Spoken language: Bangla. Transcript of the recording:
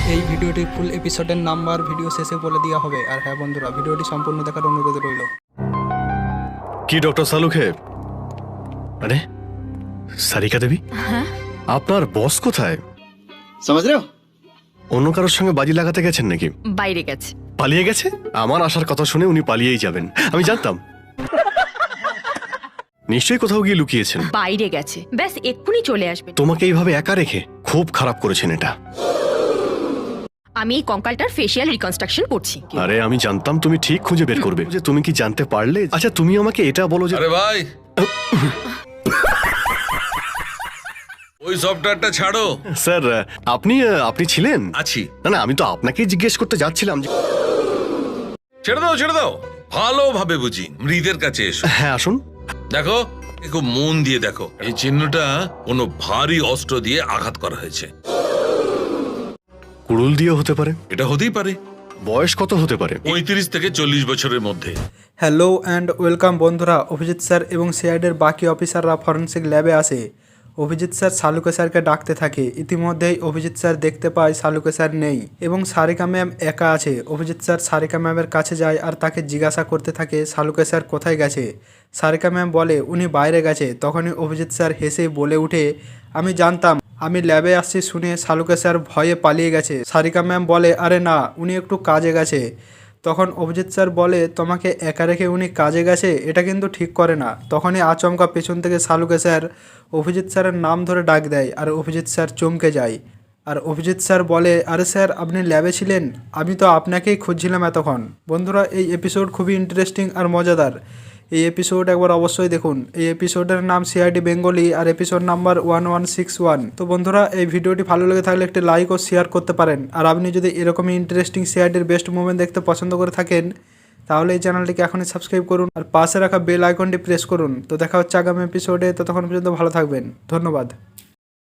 এই ভিডিওটির ফুল এপিসোডের নাম্বার ভিডিও শেষে বলে দেওয়া হবে। আর হ্যাঁ বন্ধুরা, ভিডিওটি সম্পূর্ণ দেখার অনুরোধ রইল। কি ডক্টর সালুখে? আরে সারিকা দেবী, আপনার বস কোথায়? समझ रहे हो? অন্য কারোর সঙ্গে বাজি লাগাতে গেছেন নাকি? বাইরে গেছে। পালিয়ে গেছে? আমার আসার কথা শুনে উনি পালিয়েই যাবেন, আমি জানতাম। নিশ্চয়ই কোথাও গিয়ে লুকিয়েছেন। বাইরে গেছে, ব্যাস এক্ষুনি চলে আসবে। তোমাকে এইভাবে একা রেখে খুব খারাপ করেছেন এটা। আমি এই কঙ্কালটার ফেসিয়াল রিকনস্ট্রাকশন করছি। আরে আমি জানতাম তুমি ঠিক খুঁজে বের করবে। যে তুমি কি জানতে পারলে? আচ্ছা তুমি আমাকে এটা বলো যে আরে ভাই, ওই সফটওয়্যারটা ছাড়ো। স্যার আপনি ছিলেন? আছি। না না, আমি তো আপনাকেই জিজ্ঞেস করতে যাচ্ছিলাম যে ছেড়ে দাও ছেড়ে দাও, ভালোভাবে বুঝি। মৃতের কাছে এসো। হ্যাঁ আসুন। দেখো, খুব মন দিয়ে দেখো। এই চিহ্নটা কোনো ভারী অস্ত্র দিয়ে আঘাত করা হয়েছে। কুড়ুল দিয়ে হতে পারে। এটা হতেই পারে। বয়স কত হতে পারে? 35 থেকে 40 বছরের মধ্যে। হ্যালো অ্যান্ড ওয়েলকাম বন্ধুরা। অভিজিৎ স্যার এবং সিআইডির বাকি অফিসাররা ফরেন্সিক ল্যাবে আসে। অভিজিৎ স্যার শালুকে স্যারকে ডাকতে থাকে। ইতিমধ্যেই অভিজিৎ স্যার দেখতে পায় শালুকে স্যার নেই এবং সারিকা ম্যাম একা আছে। অভিজিৎ স্যার সারিকা ম্যামের কাছে যায় আর তাকে জিজ্ঞাসা করতে থাকে শালুকে স্যার কোথায় গেছে। সারিকা ম্যাম বলে উনি বাইরে গেছে। তখনই অভিজিৎ স্যার হেসে বলে উঠে, আমি জানতাম, আমি ল্যাবে আসছি শুনে শালুকে স্যার ভয়ে পালিয়ে গেছে। সারিকা ম্যাম বলে, আরে না, উনি একটু কাজে গেছে। তখন অভিজিৎ স্যার বলে, তোমাকে একা রেখে উনি কাজে গেছে, এটা কিন্তু ঠিক করে না। তখনই আচমকা পেছন থেকে শালুকে স্যার অভিজিৎ স্যারের নাম ধরে ডাক দেয় আর অভিজিৎ স্যার চমকে যায়। আর অভিজিৎ স্যার বলে, আরে স্যার আপনি ল্যাবে ছিলেন, আমি তো আপনাকেই খুঁজছিলাম এতক্ষণ। বন্ধুরা, এই এপিসোড খুবই ইন্টারেস্টিং আর মজাদার। এই এপিসোড একবার অবশ্যই দেখুন। এই এপিসোডের নাম সিআইডি বেঙ্গলি আর এপিসোড নাম্বার 1161। তো বন্ধুরা, এই ভিডিওটি ভালো লেগে থাকলে একটি লাইক ও শেয়ার করতে পারেন। আর আপনি যদি এরকমই ইন্টারেস্টিং সিআইডির বেস্ট মুভমেন্ট দেখতে পছন্দ করে থাকেন, তাহলে এই চ্যানেলটিকে এখনই সাবস্ক্রাইব করুন আর পাশে রাখা বেল আইকনটি প্রেস করুন। তো দেখা হচ্ছে আগামী এপিসোডে। ততক্ষণ পর্যন্ত ভালো থাকবেন। ধন্যবাদ।